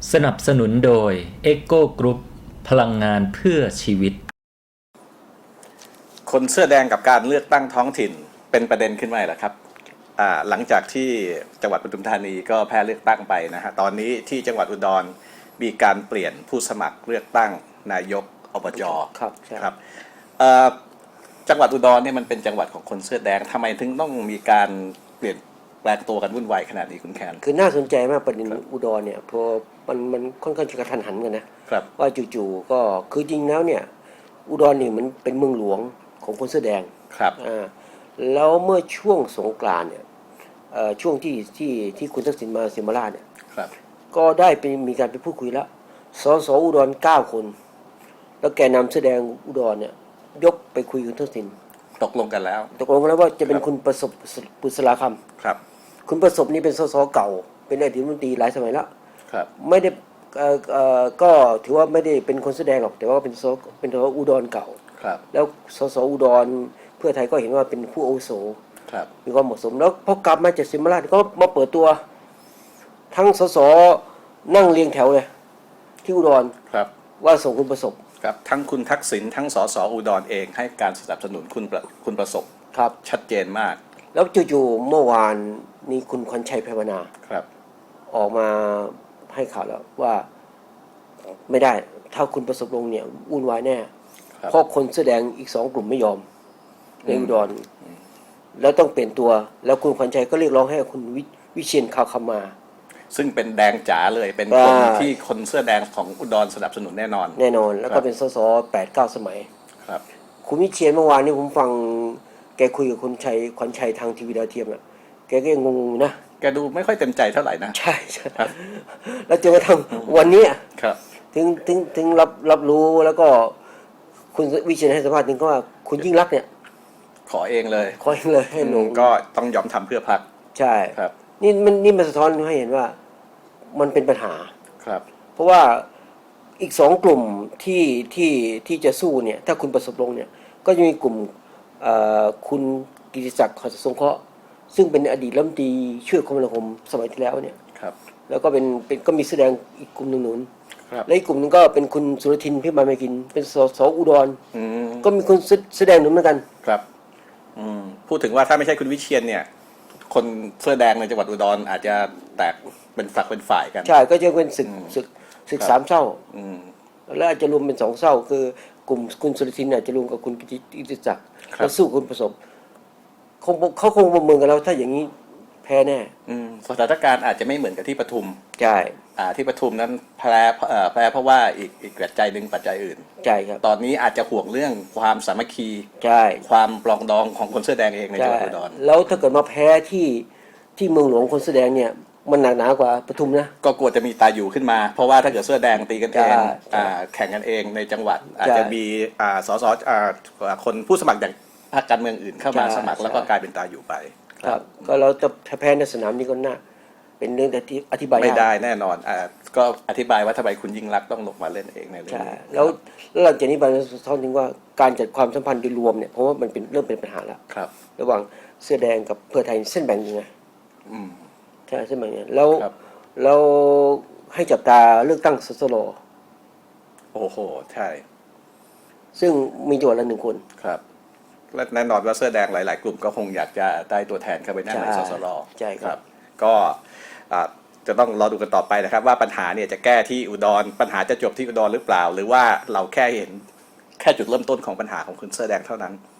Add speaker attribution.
Speaker 1: สนับสนุนโดย Echo Group พลังงานเพื่อชีวิต
Speaker 2: คนเสื้อแดงกับการเลือกตั้งท้องถิ่นเป็นประเด็นขึ้นมาแล้วครับหลังจากที่จังหวัดปทุมธานีก็แพ้เลือกตั้งไปนะฮะตอนนี้ที่จังหวัดอุดรมีการเปลี่ยนผู้สมัครเลือกตั้งนายกอบจครับจังหวัดอุดรเนี่ยมันเป็นจังหวัดของคนเสื้อแดงทำไมถึงต้องมีการเปลี่ยนแปลงตัวกันวุ่นวายขนาดนี้คุณแคน
Speaker 3: คือน่าสนใจมากประเด็นอุดรเนี่ยพอมันค่อนข้างจะกระทันหันกันนะครับว่าจู่ๆก็คือจริงแล้วเนี่ยอุดรนี่มันเป็นเมืองหลวงของคนเสื้อแดง
Speaker 2: ครับ
Speaker 3: แล้วเมื่อช่วงสงกรานต์เนี่ยช่วงที่คุณทักษิณมาสิมราชเนี่ยก็ได้ไปมีการไปพูดคุยแล้วสสอุดร9 คนแล้วแกนนำเสื้อแดงอุดรเนี่ยยกไปคุยกับคุณทักษิณ
Speaker 2: ตกลงกันแล้ว
Speaker 3: ว่าจะเป็นคุณประสบปุษราคำ
Speaker 2: ครับ
Speaker 3: คุณประสบนี่เป็นสสเก่าเป็นอดีตรัฐมนตรีหลายสมัยแล้ว
Speaker 2: ครับ
Speaker 3: ไม่ได้ก็ถือว่าไม่ได้เป็นคนแสดงหรอกแต่ว่าเป็นสอุดรเก่า
Speaker 2: ครับ
Speaker 3: แล้วสสอุดรเพื่อไทยก็เห็นว่าเป็นผู้อาวุโส
Speaker 2: ครับ
Speaker 3: มีความเหมาะสมแล้วพอกลับมาจากสิมราชก็มาเปิดตัวทั้งสสนั่งเรียงแถวเลยที่อุดร
Speaker 2: ครับ
Speaker 3: ว่าส่งคุณประสบ
Speaker 2: ครับทั้งคุณทักษิณทั้งสสอุดรเองให้การสนับสนุนคุณประสบ
Speaker 3: ครับ
Speaker 2: ชัดเจนมาก
Speaker 3: แล้วจู่ๆเมื่อวานนี้คุณขวัญชัยไพรวนา
Speaker 2: ครับ
Speaker 3: ออกมาให้ข่าวแล้วว่าไม่ได้ถ้าคุณประสบลงเนี่ยวุ่นวายแน่เพราะคนแสดงอีก2 กลุ่มไม่ยอมในอุดรแล้วต้องเปลี่ยนตัวแล้วคุณขวัญชัยก็เรียกร้องให้คุณวิเชียรคำมา
Speaker 2: ซึ่งเป็นแดงจ๋าเลยเป็นคนที่คนเสื้อแดงของอุดรสนับสนุนแน่นอน
Speaker 3: แล้วก็เป็นสส8-9 สมัย
Speaker 2: ครับ
Speaker 3: คุณวิเชียรเมื่อวานนี้ผมฟังแกคุยกับคุณขวัญชัยทางทีวีดาวเทียมอ่ะแกก็ยังงงนะ
Speaker 2: แกดูไม่ค่อยเต็มใจเท่าไหร่นะ
Speaker 3: ใช่แล้วจนกระทั่งวันนี้
Speaker 2: ครับ
Speaker 3: ถึงรับรู้แล้วก็คุณวิเชียรให้สัมภาษณ์ถึงก็ว่าคุณยิ่งรักษณ์เนี่ย
Speaker 2: ขอเองเลย
Speaker 3: ให้ลง
Speaker 2: ก็ต้องยอมทำเพื่อพรรค
Speaker 3: ใช่
Speaker 2: ครับ
Speaker 3: นี่มันสะท้อนให้เห็นว่ามันเป็นปัญหา
Speaker 2: ครับ
Speaker 3: เพราะว่าอีก2 กลุ่มที่จะสู้เนี่ยถ้าคุณประสบลงเนี่ยก็จะมีกลุ่มคุณกิติศักดิ์ หัตถสงเคราะห์ซึ่งเป็นอดีตรัฐมนตรีช่วยคมนาคมสมัยที่แล้วเนี่ย
Speaker 2: ครับ
Speaker 3: แล้วก็เป็นก็มีแสดงอีกกลุ่มหนึ่งหนุน
Speaker 2: ครับ
Speaker 3: และอีกกลุ่มนึงก็เป็นคุณสุรทินพิมานไม่กินเป็นสสอุดรก็มีคนแสดงหนุนเหมือนกัน
Speaker 2: ครับพูดถึงว่าถ้าไม่ใช่คุณวิเชียรเนี่ยคนเสื้อแดงในจังหวัดอุดรอาจจะแตกเป็นฝักเป็นฝ่ายกัน
Speaker 3: ใช่ก็จะเป็นศึก3 เศร้าแล้วอาจจะรวมเป็น2 เศร้าคือกลุ่มคุณสุรทินอาจจะรวมกับคุณกิติศักดิ์แล้วสู้คุณประสบเขาคงประเมินกันแล้วถ้าอย่างนี้แพ้แน่
Speaker 2: สถานการณ์อาจจะไม่เหมือนกับที่ปทุม
Speaker 3: ใช่
Speaker 2: ที่ปทุมนั้นแพ้เพราะว่าอีกปัจจัยหนึ่งปัจจัยอื่น
Speaker 3: ใช่ครับ
Speaker 2: ตอนนี้อาจจะห่วงเรื่องความสามัคคี
Speaker 3: ใช่
Speaker 2: ความปลองดองของคนเสื้อแดงเองในจังหวัดอุดร
Speaker 3: แล้วถ้าเกิดมาแพ้ที่เมืองหลวงคนเสื้อแดงเนี่ยมันหนักหนากว่าปทุมนะ
Speaker 2: ก็กลัวจะมีตาอยู่ขึ้นมาเพราะว่าถ้าเกิดเสื้อแดงตีกันเองแข่งกันเองในจังหวัดอาจจะมีสสคนผู้สมัครจากพรรคการเมืองอื่นเข้ามาสมัครแล้วก็กลายเป็นตาอยู่ไป
Speaker 3: ครับก็เราจะแพ้ในสนามนี้ก็น่าเป็นเรื่องที่อธิบาย
Speaker 2: ไม่ได้แน่นอนก็อธิบายว่าทำไมคุณยิ่งรักต้องลงมาเล่นเองในเรื่องนี้
Speaker 3: แล้วหลังจากนี้ไปสะท้อนถึงว่าการจัดความสัมพันธ์โดยรวมเนี่ยเพราะว่ามันเริ่มเป็นปัญหาแล้วระหว่างเสื้อแดงกับเพื่อไทยเส้นแบ่งยังไงใช่เส้นแบ่งยังไงแล้วให้จับตาเลือกตั้งสสร
Speaker 2: โอ้โหใช่
Speaker 3: ซึ่งมีจังหวัดละ1 คน
Speaker 2: ครับและแน่นอนว่าเสื้อแดงหลายๆกลุ่มก็คงอยากจะได้ตัวแทนเข้าไปนั่งในสสร
Speaker 3: ใช่ครับ
Speaker 2: ก็จะต้องรอดูกันต่อไปนะครับว่าปัญหาเนี่ยจะแก้ที่อุดรปัญหาจะจบที่อุดรหรือเปล่าหรือว่าเราแค่เห็นแค่จุดเริ่มต้นของปัญหาของคนเสื้อแดงเท่านั้น